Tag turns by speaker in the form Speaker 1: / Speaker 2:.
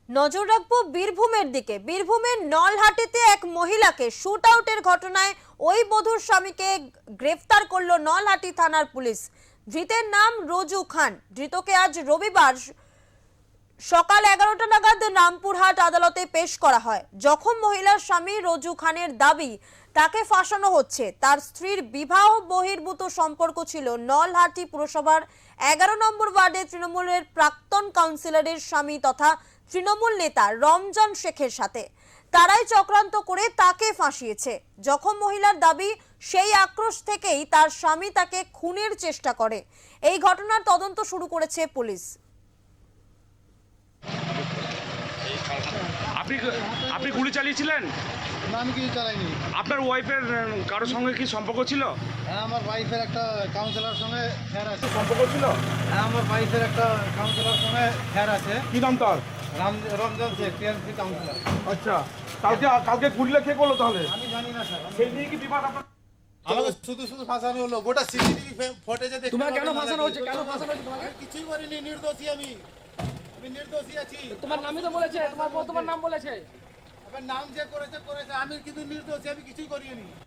Speaker 1: নজর রাখবো বীরভূমের দিকে। বীরভূমের নলহাটিতে এক মহিলাকে শুট আউটের ঘটনায় ওই বধূর স্বামীকে গ্রেফতার করলো নলহাটি থানার পুলিশ। ধৃতের নাম রোজু খান। ধৃতকে আজ রবিবার সকাল 11টা নাগাদ রামপুরহাট আদালতে পেশ করা হয়। জখম মহিলার স্বামী রোজু খানের দাবি তাকে ফাঁসানো হচ্ছে। তার স্ত্রীর বিবাহ বহির্ভূত সম্পর্ক ছিল নলহাটি পুরসভার 11 নম্বর ওয়ার্ডে তৃণমূলের প্রাক্তন কাউন্সিলরের স্বামী তথা তৃণমূল নেতা রমজান শেখের সাথে। তারাই চক্রান্ত করে তাকে ফাঁসিয়েছে। জখম মহিলার দাবি সেই আক্রোশ থেকেই তার স্বামী তাকে খুনের চেষ্টা করে। এই ঘটনার তদন্ত শুরু করেছে পুলিশ।
Speaker 2: আপনি গুলি চালিয়েছিলেন?
Speaker 3: না, আমি কিছু চালাইনি।
Speaker 2: আপনার ওয়াইফের কারোর সঙ্গে কি সম্পর্ক ছিল?
Speaker 3: হ্যাঁ, আমার ওয়াইফের একটা কাউন্সিলর সঙ্গে ফেয়ার আছে।
Speaker 2: সম্পর্ক ছিল?
Speaker 3: হ্যাঁ, আমার ওয়াইফের একটা কাউন্সিলর সঙ্গে ফেয়ার আছে।
Speaker 2: কি নাম তার?
Speaker 3: Ramzan Sheikh, TMC councillor.
Speaker 2: আচ্ছা, কালকে গুলিটা কে করলো তাহলে?
Speaker 3: আমি জানি না স্যার।
Speaker 2: সেই নিয়ে কি বিবাদ আপনার?
Speaker 3: আমাকে শুধু ফাঁসানো হলো। গোটা সিসিটিভি ফুটেজে দেখতে
Speaker 4: তোমার কেন ফাঁসানো হচ্ছে? কেন ফাঁসানো হচ্ছে তোমাকে?
Speaker 3: কিছুই করিনি, নির্দোষী আমি নির্দোষী আছি।
Speaker 4: তোমার নামই তো বলেছে, তোমার নাম বলেছে।
Speaker 3: আপনার নাম যে করেছে, আমি কিন্তু নির্দোষী, আমি কিছুই করিনি।